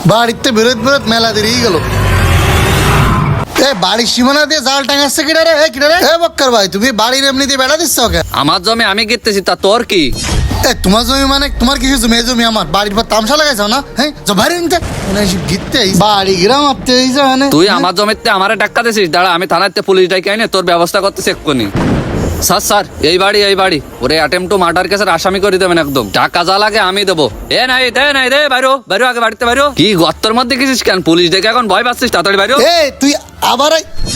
বাড়িতে বেরোত বেরোত মেলা দেরিয়ে গেল। বাড়ির সীমানা দিয়ে জাল টাঙাচ্ছে কিনা রে? কিনা রে? বক্কর ভাই, তুমি বাড়ির এমনিতে বেড়া দিচ্ছ ওকে? আমার জমি আমি গেতেছি, তা তোর কি? তোমার জমি মানে তোমার কিছু জমি? এই জমি আমার। বাড়ির পর তামসা লাগাইছো না? হ্যাঁ, বাইরে নিতে গিতে বাড়ি গ্রাম আপতে মানে তুই আমার জমিতে আমারে টাক্কা দিছিস। দাঁড়া, আমি থানাতে পুলিশ ডাকি আইনে তোর ব্যবস্থা করতেছি এক্ষুনি। স্যার এই বাড়ি ওরে অ্যাটেম্প টু মার্ডার কেসের আসামি করে দেবেন একদম। টাকা যা লাগে আমি দেবো। নাই দে বাইরো বাইরো, আগে বাড়িতে বাইরো। কি গর্তের মধ্যে গেছিস কেন? পুলিশ ডেকে এখন ভয় পাচ্ছিস? তাড়াতাড়ি বাইরো। তুই আবার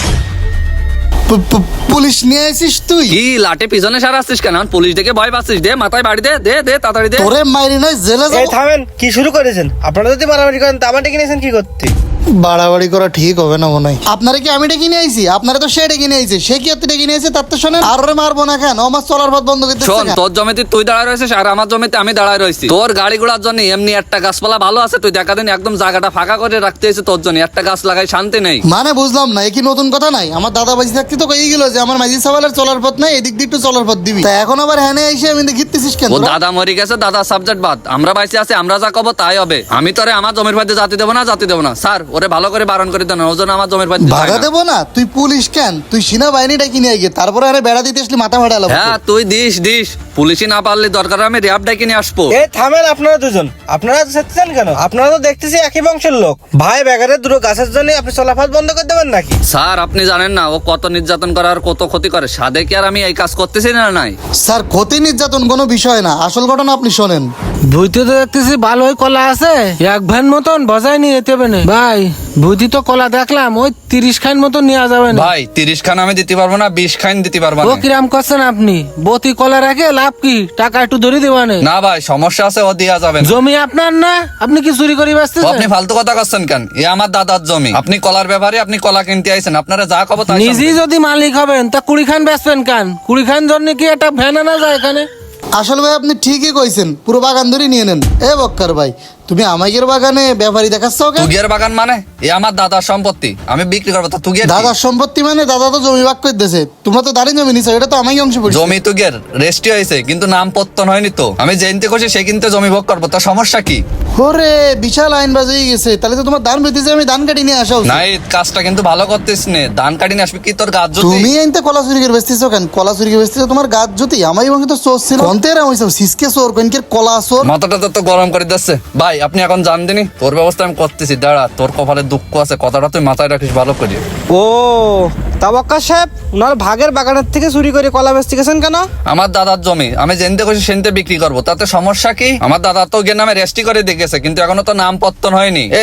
পুলিশ নিয়ে আসিস? তুই কি লাঠি পিছনে সারাচ্ছিস কেন? পুলিশ ডেকে ভয় পাচ্ছিস? দে মাথায় বাড়ি দে দে দে তাড়াতাড়ি দে। তোরে মাইরি নয় জেলে যাবো। থামেন, কি শুরু করেছেন আপনারা? যদি মারামারি করেন তা আমার ডেকে নিয়েছেন কি করতে? বাড়াবাড়ি করা ঠিক হবে না মনে হয়। আপনারা কি আমি ডেকে নিয়ে আইছি? আপনারা তো সে ডেকে নিয়ে আইছে। সে কি আপনি ডেকে নিয়ে আইছে? তার তো শোনেন। আর ওরে মারবো না কেন? আমার চলার পথ বন্ধ করতে শোন, তোর জমিতে তুই দাঁড়ায় রয়েছিস আর আমার জমিতে আমি দাঁড়ায় রয়েছি। তোর গাড়ি ঘোড়ার জন্য এমনি একটা গাছপালা ভালো আছে, তুই দেখা দিন একদম জায়গাটা ফাঁকা করে রাখতে হয়েছে তোর জন্য। একটা গাছ লাগাই শান্তি নেই। মানে বুঝলাম না, এ কি নতুন কথা নাই? আমার দাদা বাজি থাকতে তো কই গেল যে আমার মাঝি সাবালের চলার পথ নাই, এদিক দিয়ে একটু চলার পথ দিবি। তা এখন আবার হ্যানে এসে আমি ঘিরতেছিস কেন? ও দাদা মরে গেছে, দাদা সাবজেক্ট বাদ। আমরা বাইসে আছি, আমরা যা কব তাই হবে। আমি তোরে আমার জমির মধ্যে জাতি দেবো না। স্যার ওরে ভালো করে বারণ করে দেন, ওজন আমার জমির মধ্যে ভাড়া দেবো না? তুই পুলিশ কেন? তুই সেনাবাহিনী ডাকি নিয়ে গিয়ে তারপরে আরে বেড়া দিতে আসলি মাথা ভাড়া। হ্যাঁ তুই দিস পুলিশই না পারলে দরকার আমি র্যাব ডাকি নিয়ে আসবো। থামেন আপনারা দুজন, আপনারা চেঁচাচ্ছেন কেন? আপনারা তো দেখতেছি একই বংশের লোক। ভাই বেগারের দুটো গাছের জন্য আপনি চলাফাত বন্ধ করে দেবেন নাকি? স্যার আপনি জানেন না ও কত নির্যাতন করে আর কত ক্ষতি করে। সাদে কি আর আমি এই কাজ করতেছি না? নাই স্যার, ক্ষতি নির্যাতন কোনো বিষয় না, আসল ঘটনা আপনি শোনেন। ভুইতে তো দেখতেছি ভালোই কলা আছে, এক ভ্যান মতন বজায় নিয়ে যেতে হবে না ভাই। ভুইতে তো কলা দেখলাম ওই 30 খান মতন নেওয়া যাবে না ভাই। 30 খান আমি দিতে পারবো না, 20 খান দিতে পারবো ও না। কিরাম করছেন আপনি? বতি কলা রেখে লাভ কি? টাকা একটু ধরে দেওয়ানে না ভাই, সমস্যা আছে, ও দেয়া যাবে না। জমি আপনার না, আপনি কি চুরি করে ও ব্যস্তেছেন? আপনি ফালতু কথা করছেন কেন? এ আমার দাদার জমি। আপনি কলার ব্যাপারে আপনি কলা কিনতে আইছেন, আপনারা যা কব তাই নিজেই শুনবেন। যদি মালিক হবেন তা 20 খান বেচবেন কেন? 20 খান জন্য কি একটা ভ্যান আনা যায় এখানে? আসল ভাই আপনি ঠিকই কইছেন, পুরো বাগান ধরে নিয়ে নেন। বক্কর ভাই, তুমি আমাদের বাগানে ব্যাপারী দেখাচ্ছ কেন? তুগের বাগান মানে এ আমার দাদার সম্পত্তি, আমি বিক্রি করবো। তো তুগের দাদার সম্পত্তি মানে? দাদা তো জমি ভাগ করে দিয়েছে, তোমরা তো দাঁড়িয়ে জমি নিছো, এটা তো আমাকে অংশ পড়ছে। জমি তুগের রেস্টি হয়েছে কিন্তু নাম পত্তন হয়নি তো। আমি জেনতে খুশি সে কিন্তু জমি ভোগ করবো, তো সমস্যা কি? ওরে বিশাল আইন বাজ হয়ে গেছে, তাহলে তো তোমার ধান বেঁধেছে, আমি ধান কাটি নিয়ে আসা উচিত। নাই, কাজটা কিন্তু ভালো করতেছ নে। ধান কাটি নিয়ে আসবি কি তোর গাছ যদি? তুমি আইনতে কলা চুরি করে বেচতেছো কেন? কলা চুরি করে বেচতেছো তোমার গাছ যদি? আমার বংশে তো চোর ছিল। কন্তেরা হইছে সিসকে চোর, কনকের কলা চোর। মাথাটা তো গরম করে দিচ্ছে ভাই। আপনি এখন জান দিনি তোর ব্যবস্থা আমি করতেছি। দাঁড়া, তোর কপালে দুঃখ আছে, কথাটা তুই মাথায় রাখিস ভালো করে। ও তাবাক্কা সাহেব, ওনার ভাগের বাগানের থেকে চুরি করে কলা বেচতে গেছেন কেন? আমার দাদার জমি আমি জেনতে খুশি সেনতে বিক্রি করবো, তাতে সমস্যা কি? আমার দাদা তো গিয়ে নামে রেস্টি করে দেখেছে কিন্তু এখনো তো নাম পত্তন হয়নি।